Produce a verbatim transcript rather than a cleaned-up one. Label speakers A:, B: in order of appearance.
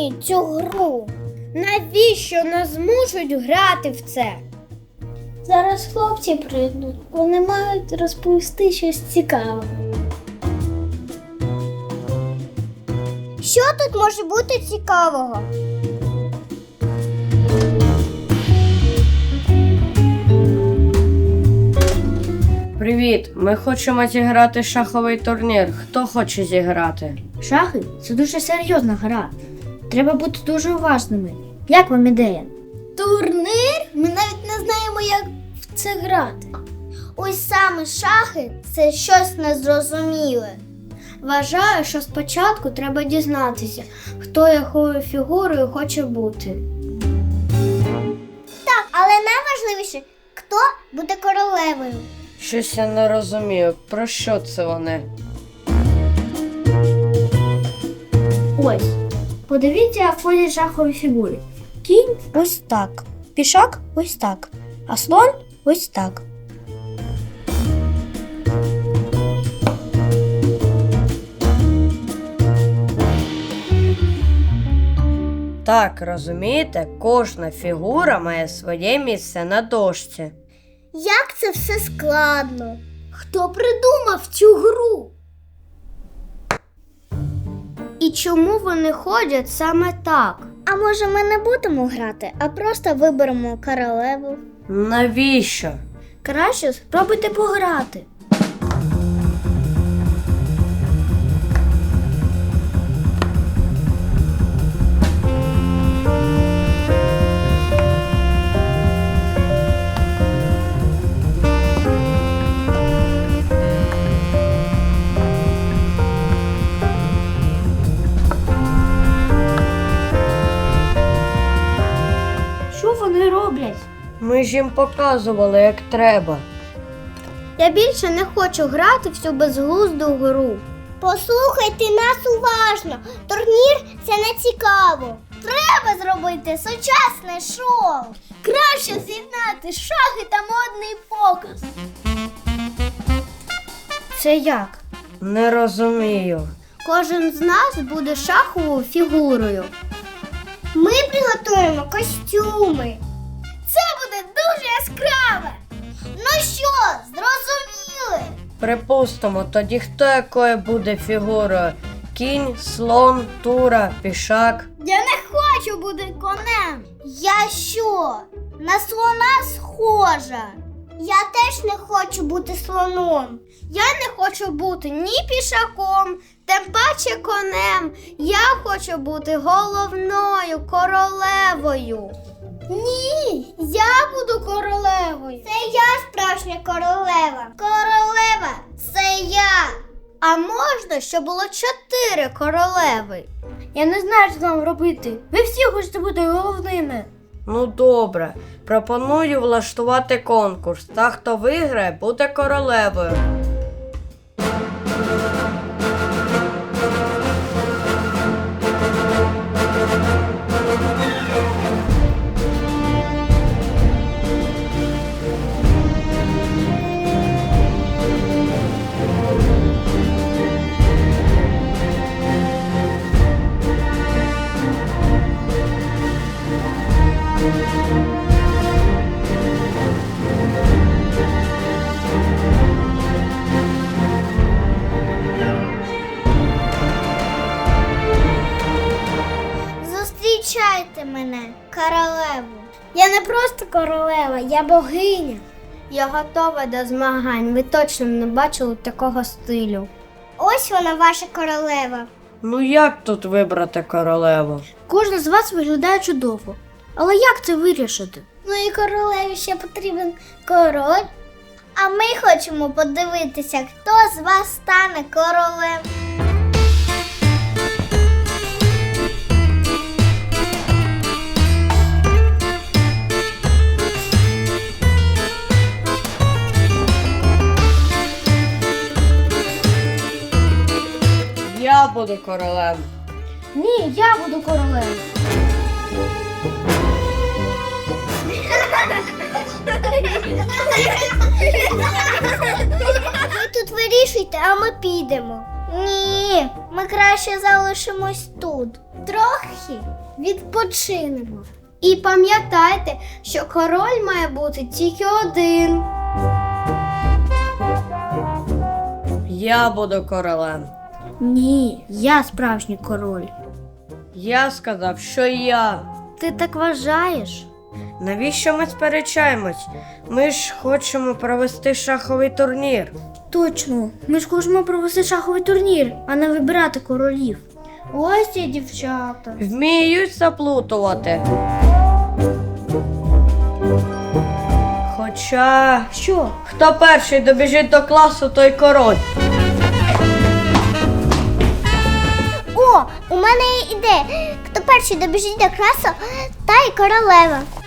A: розумію цю гру. Навіщо нас змушують грати в це? Зараз хлопці прийдуть, вони мають розповісти щось цікаве. Що тут може бути цікавого?
B: Привіт, ми хочемо зіграти шаховий турнір. Хто хоче зіграти?
A: Шахи – це дуже серйозна гра. Треба бути дуже уважними. Як вам ідея? Турнир? Ми навіть не знаємо, як в це грати. Ось саме шахи – це щось незрозуміле. Вважаю, що спочатку треба дізнатися, хто якою фігурою хоче бути. Так, але найважливіше – хто буде королевою.
B: Щось я не розумію. Про що це вони?
A: Ось, подивіться, як ходять шахові фігури. Кінь ось так, пішак ось так, а слон ось так.
B: Так, розумієте, кожна фігура має своє місце на дошці.
A: Як це все складно? Хто придумав цю гру? І чому вони ходять саме так? А може ми не будемо грати, а просто виберемо королеву?
B: Навіщо?
A: Краще спробуйте пограти. Що вони роблять?
B: Ми ж їм показували, як треба.
A: Я більше не хочу грати в цю безглузду гру. Послухайте нас уважно. Турнір – це не цікаво. Треба зробити сучасне шоу. Краще з'єднати шахи та модний показ. Це як?
B: Не розумію.
A: Кожен з нас буде шаховою фігурою. Ми приготуємо костюми. Це буде дуже яскраве. Ну що, зрозуміли?
B: Припустимо, тоді хто якою буде фігурою? Кінь, слон, тура, пішак.
A: Я не хочу бути конем. Я що? На слона схожа. Я теж не хочу бути слоном. Я не хочу бути ні пішаком, тим паче конем. Я хочу бути головною королевою. Ні, я буду королевою. Це я справжня королева. Королева – це я. А можна, щоб було чотири королеви? Я не знаю, що нам робити. Ви всі хочете бути головними.
B: Ну добре, пропоную влаштувати конкурс. Та, хто виграє, буде королевою.
A: Зустрічайте мене, королеву. Я не просто королева, я богиня. Я готова до змагань. Ви точно не бачили такого стилю. Ось вона, ваша королева.
B: Ну як тут вибрати королеву?
A: Кожна з вас виглядає чудово. Але як це вирішити? Ну і королеві ще потрібен король. А ми хочемо подивитися, хто з вас стане королем.
B: Я буду королем.
A: Ні, я буду королевою. Ви тут вирішуйте, а ми підемо. Ні, ми краще залишимось тут. трохи відпочинемо. І пам'ятайте, що король має бути тільки один.
B: Я буду королем.
A: Ні, я справжній король.
B: Я сказав, що я.
A: Ти так вважаєш?
B: Навіщо ми сперечаємось? Ми ж хочемо провести шаховий турнір.
A: Точно, ми ж хочемо провести шаховий турнір, а не вибирати королів. Ось ці дівчата.
B: Вміють заплутувати. Хоча,
A: Що?
B: хто перший добіжить до класу, той король.
A: О, у мене є ідея. Хто перший добіжить до класу, та й королева.